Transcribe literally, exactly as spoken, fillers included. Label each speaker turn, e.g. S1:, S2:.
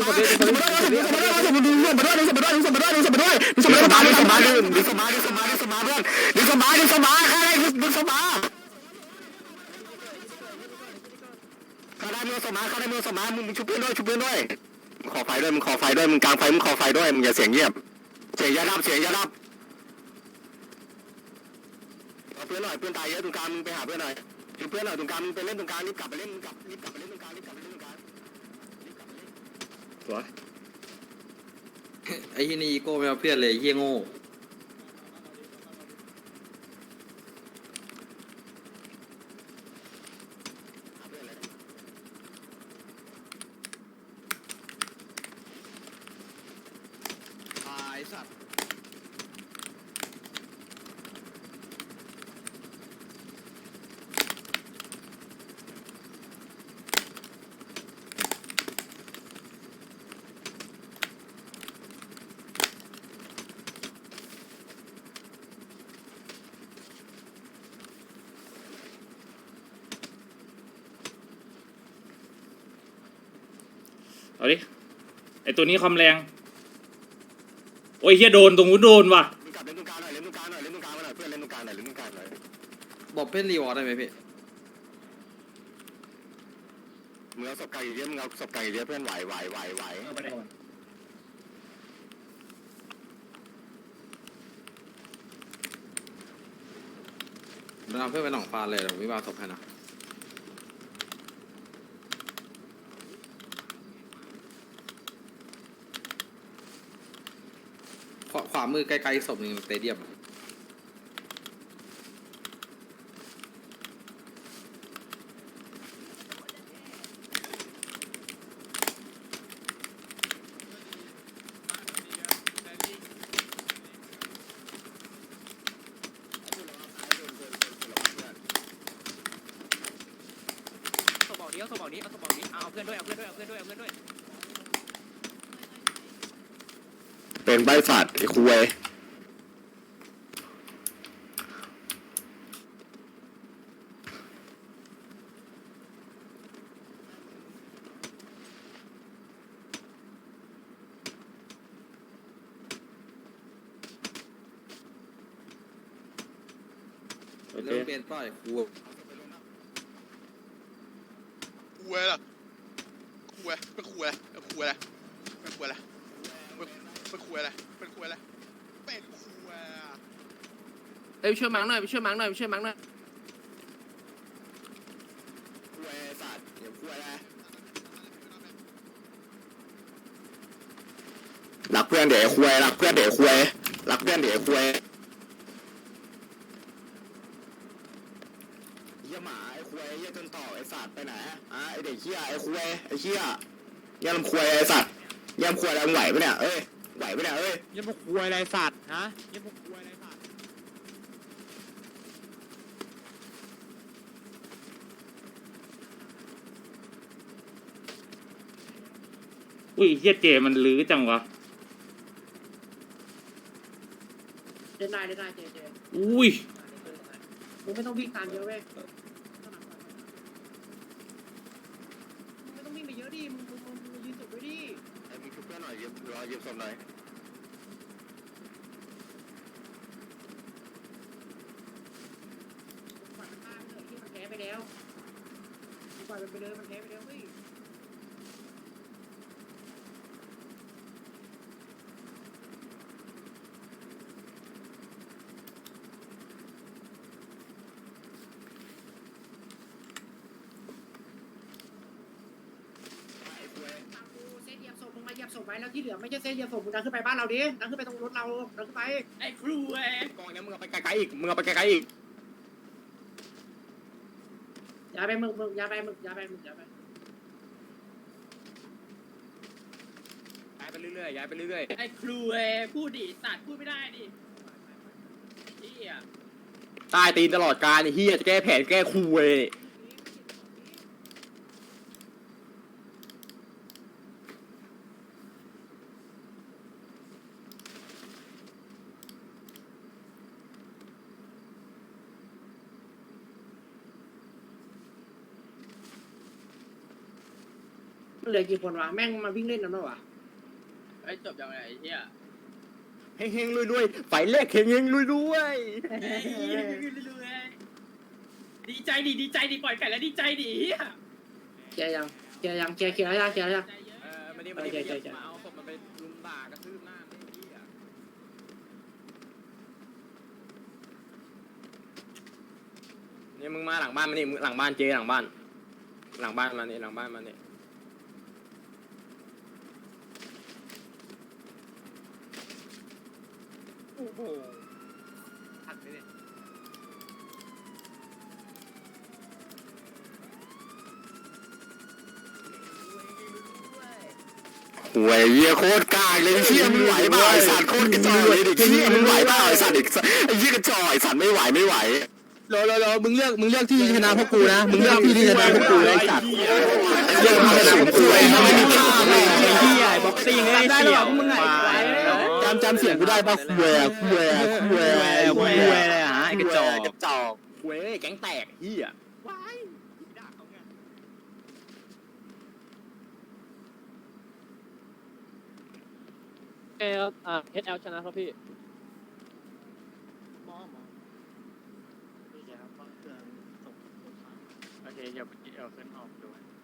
S1: ดึงศพดึงศพดึงศพดึงศพดึงศพดึงศพมาด้วยดึงศพมาด้วยดึงศพมาด้วยดึงศพมาด้วยดึงศพมาดึงศพมาดึงศพมาดึงศพมาดึงศพมาเพื่อนดึงศพมาดึงศพมาใครได้ดึงศพมาใครได้มือศพมาใครได้มือศพมามึงชุบเพื่อนด้วยชุบเพื่อนด้วยขอไฟด้วยมึงขอไฟด้วยมึงกลางไฟมึงขอไฟด้วยมึงอย่าเสียงเงียบเสียงยาดับเสียงยาดับเอาเพื่อนหน่อยเพื่อนตายเยอะตรงกลางมึงไปหาเพื่อนหน่อยชุบเพื่อนหน่อยตรงกลางมึงไปเล่นตรงกลางรีบกลับไปเล่นมึงกลับรีบกลับไปเล่นตรงกลางรีบกลับไปเล่นตรงกลาง
S2: ตัวไอ้ที่นี่อีโก้ไม่เอาเพื่อนเลยเยี่ยโง่
S1: ตายสัตว์
S3: เอาดิไอตัวนี้ความแรงโอ้ยเฮียโดนตรงนู้นโดนว่ะ
S1: มึงกลับเล่นตรงกลางหน่อยเล่นตรงกลางหน่อยเล่นตรงกลางมาหน่อยเพื่อนเล่นตรงกลางหน่อยเล่นตรงกลางหน่อย
S2: บอกเพื่อนรีวอร์ดได้ไหมพี่
S1: มึงเอาศพไก่เยอะมึงเอาศพไก่เยอะเพื่อนไหวไหวไหวไหว
S4: เ
S2: มันเอาเพื่อนไปหนองฟานเลยเดี๋ยววิวาศพให้นะขวาขวามือไกลๆศพหนึ่งสเตเดียม
S5: สบอกนี้เอาสบอกนี้เอาสบอกนี้เอาเพื่อนด้วยเอาเพื่อนด้วยเอาเพื่อนด้วยเอาเพื่อนด้วย
S1: เป็นใบสัตว์ไอ้คุย
S3: โอเค
S2: เริ่มเป็นป้ายครู
S6: คุยล่ะคุยเป็นคุยอะไรเป็นคุยอะไรเป็นคุยอะไรเป็นคุยอะไรเป็นคุยอะไรเป็นคุย
S5: เอ้ยช่วยมังหน่อยไปช่วยมังหน่อยไปช่วยมังหน่อย
S1: คุยสัตว์เดี๋ยวคุยอะไรรักเพื่อนเดี๋ยวคุยรักเพื่อนเดี๋ยวคุยรักเพื่อนเดี๋ยวคุยเหี้ยหมาไอ้คุยเหี้ยจนต่อไอ้สัตว์ไปไหนอ่ะไอ้เด็กเหี้ยไอ้คุยไอ้เหี้ยเหี้ยลำคุยไอ้สัตว์เหี้ยลำคุยอะไรมึงไหวปะเนี่ยเอ้ยไหวปะเนี่ยเอ้ย
S5: ยังพวกคุยอะไรสัตว์ฮะยังพวกคุยอะไรสัตว์
S3: อุ้ยเฮียเจมันลื้อจังวะ
S7: เล่นได้เล่นได้เจเจ
S3: อุ้ย
S7: มึงไม่ต้องวิ่งตามเยอะเว้ยมึงไม่ต้องวิ่งไปเยอะดิมึงมึงมึงมึงยืนสุดไว้ดิ
S1: ไอ้มึงชุบเพื่อนหน่อยยืมรอยืมศพหน่อย
S7: ปล่อยมันฆ่าไปเลยที่มันแพ้ไปแล้วปล่อยมันไปเลยมันแพ้ไปแล้วเฮ้ย ฟังกูเซตเหยียบศพมึงมาเหยียบศพไว้แล้วที่เหลือไม่ใช่เซตเหยียบศพมึงดันขึ้นไปบ้านเราดิดันขึ้นไปตรงรถเราดันขึ้นไป
S5: ไอ้ครูเอ้ย
S1: กองเนี้ยมึงเอาไปไกลๆอีกมึงเอาไปไกลๆอีก
S7: อย่าไปมึงมึงอย่าไปมึงอย่าไปมึงอย่าไป
S5: ย้ายไปเรื่อยๆย้ายไปเรื่อยๆไอ้ครูเอ้ยพูดดิสัตว์พูดไม่ได้ดิเฮีย
S1: ตายตีนตลอดการไอ้เฮียจะแก้แผนแก้คูเว้ย
S7: เหลือกี่คนวะแม่งมาวิ่งเล่นนั่นวะ
S5: ไอ้จบยังไงไอ้เฮีย
S1: เฮงเฮงๆรวยๆไฟแรกเฮงเฮงๆรวย
S5: ดีใจดิดีใจดิปล่อยไก่แล้วดีใจดิเฮีย
S7: เคลียร์ยังเคลียร์ยังเคลียร์เคลียร์แล้วยังเคลียร์แล้วยัง
S5: เออมาดิมาดิมาดิมาเอาศพมันไปลุมด่ากระทืบหน้าไม่เฮีย
S1: ๆนี่มึงมาหลังบ้านมานี่มึงหลังบ้านเจหลังบ้าน หลังบ้านมานี่หลังบ้านมานี่
S5: โอ้โหหักไปเลย
S1: หวยเหี้ยโคตรกากเลยเชี่ยมึงไหวเปล่าไอ้สัตว์โคตรกระจอกเลยเด็กเชี่ยมึงไหวเปล่าไอ้สัตว์เด็กไอ้เหี้ยกระจอกไอ้สัตว์ไม่ไหวไม่ไหว
S2: รอรอรอมึงเลือกมึงเลือกที่ชนะพวกกูนะมึงเลือกที่ที่ชนะพวกกูเลยไอ้สัตว์
S1: เรื่องมาสูงคุยไม่มีค่าเลย
S2: ไอ้เหี้ยบ็อกซิ่งไอ้
S5: ได้
S2: เสี่
S5: หร
S2: ย
S5: อ
S2: ว
S5: มึงไง
S2: จำจำเสียงกูได้ป่ะคุยอะคุยอะคุยอะคุยอะไรฮะไอ้กระจอก
S1: กระจอกเว้ยแก๊งแตกเหี้ย
S5: เอลอ่าเอสแอลชนะครับพี่ โอเคเดี๋ยวเดี๋ยวขึ้นออกดู